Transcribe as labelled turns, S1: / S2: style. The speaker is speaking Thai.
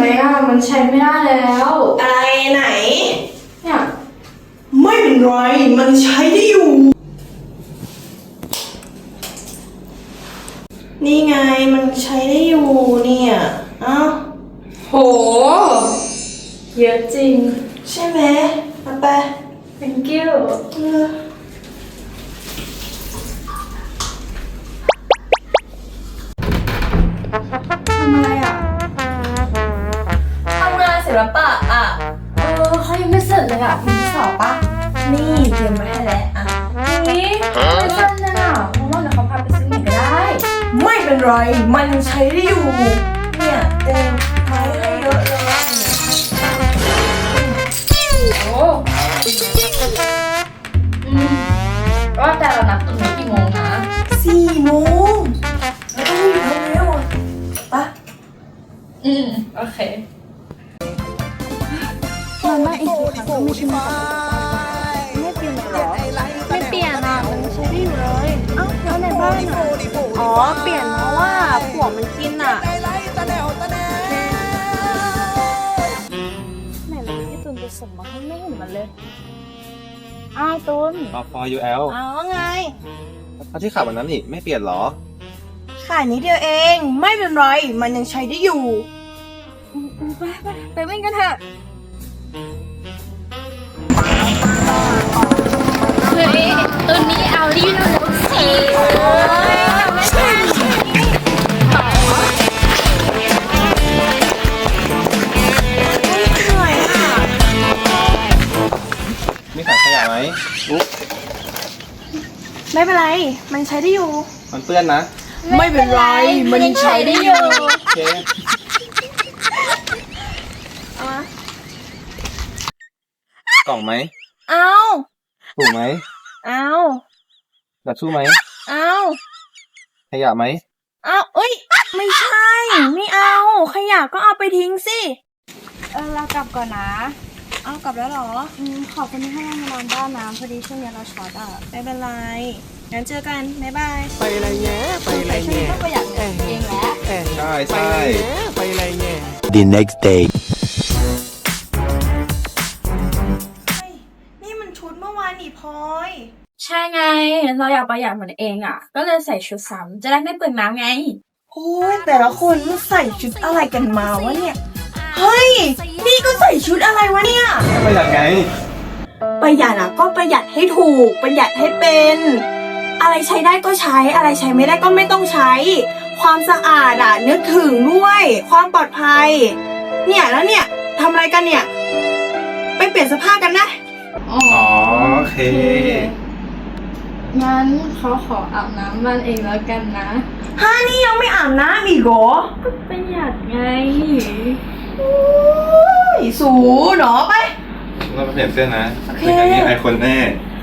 S1: อ่ะมันใช้ไม่ได้แล้ว
S2: อะไรไหน
S1: เนี่ย
S2: ไม่เป็นไรมันใช้ได้อยู่นี่ไงมันใช้ได้อยู่เนี่ยเอ้า
S1: โหเยอะจริง
S2: ใช่ไหมเอาไป
S1: thank you ทำอะไรอ่ะ
S2: ทำงานศิลปะอ่ะ
S1: เขายังไม่เสร็จเลยอ่ะมีสอบปะ
S2: นี่เตรียมมาให้แล้วอ่ะ
S1: นี่ไม่สั้นนะเพราะว่าเดี๋ยวเขาพาไปซื้อหมี่ก็ได้
S2: ไม่เป็นไรมันใช้ได้อยู่เนี่ยเตรียมไม้ให้เยอะเลย
S1: โอ้ว่าแต่เรานัดตรงนี้กี่โมงนะ
S2: 4 โมงแล้วต้องรีบทำเร็วปะ
S1: โอเค
S3: มันมาอีกทีค่ะก็ไม่ใช่ไม่เปลี่ยนหรอไม่เปลี่ยนอ่ะมันใช้ได้อยู่เลยเอ้าแล้วในบ้านอ่ะอ๋อเปลี่ยนเพราะว่าผัวมันกินอ่ะไหนเลยพี่ตุนไปส่งมาให้ไม่เห็นมันเลยอ้าวตุน
S4: พอ UL
S3: อ้าวไง
S4: ถ้าที่ขับวันนั้นนี่ไม่เปลี่ยนหรอ
S2: ขายนิดเดียวเองไม่เป็นไรมันยังใช้ได้อยู่
S3: ไปวิ่งกันเถอะเฮ้ยตัวนี้เอารีวิวแล้วสิไม่ใช่
S4: มีถังขยะไหมอุ๊บ
S2: ไม่เป็นไรมันใช้ได้อยู่
S4: มันเปื้อนนะ
S2: ไม่เป็นไรมันยังใช้ได้อยู่
S4: โอเคกล่องไหม
S2: เอา
S4: ถูกไหม
S2: เอา
S4: ดับชู่ไหม
S2: เอา
S4: ขยะไหม
S2: เอาเอ้ยไม่ใช่ไม่เอาขยะก็เอาไปทิ้งสิ
S3: เรากลับก่อนนะ
S2: เอากลับแล้วเหรอ
S3: ขอบคุณที่ให้เรามานอนบ้านนะพอดีช่วงนี้เราช็อตอ่ะ
S2: ไม่เป็นไรงั้นเจอกันบ๊ายบาย
S5: ไปไรแง่ไปไรแง่
S3: ต้องประหยัดเงินเองแหละ
S4: ใช่ใช่
S5: ไปไรแง่
S6: The next day
S2: นี่มันชุดเมื่อวานนี่พลอย
S1: ใช่ไงเราอยากประหยัดเหมือนเองอ่ะก็เลยใส่ชุดซ้ำจะได้ไม่เปลืองน้ำไง
S2: โอ้ยแต่ละคนมันใส่ชุดอะไรกันมาวะเนี่ยเฮ้ยนี่ก็ใส่ชุดอะไรวะเนี่ย
S4: ประหยัดไง
S2: ประหยัดอ่ะก็ประหยัดให้ถูกประหยัดให้เป็นอะไรใช้ได้ก็ใช้อะไรใช้ไม่ได้ก็ไม่ต้องใช้ความสะอาดอ่ะนึกถึงด้วยความปลอดภัยเนี่ยแล้วเนี่ยทำอะไรกันเนี่ยไปเปลี่ยนเสื้อผ้ากันนะ
S4: อ๋อโอเค
S1: งั้นเขาขออาบน้ำมันเองแล้วกันนะ
S2: นี่ยังไม่อาบน้ำอีกเหรอ
S1: ก็ประหยัดไง
S2: สูหนอไป
S4: เราไปเปลี่ยนเสื้อนะ
S2: โอเค
S4: ไม่งั้นนี่ไอคนแน่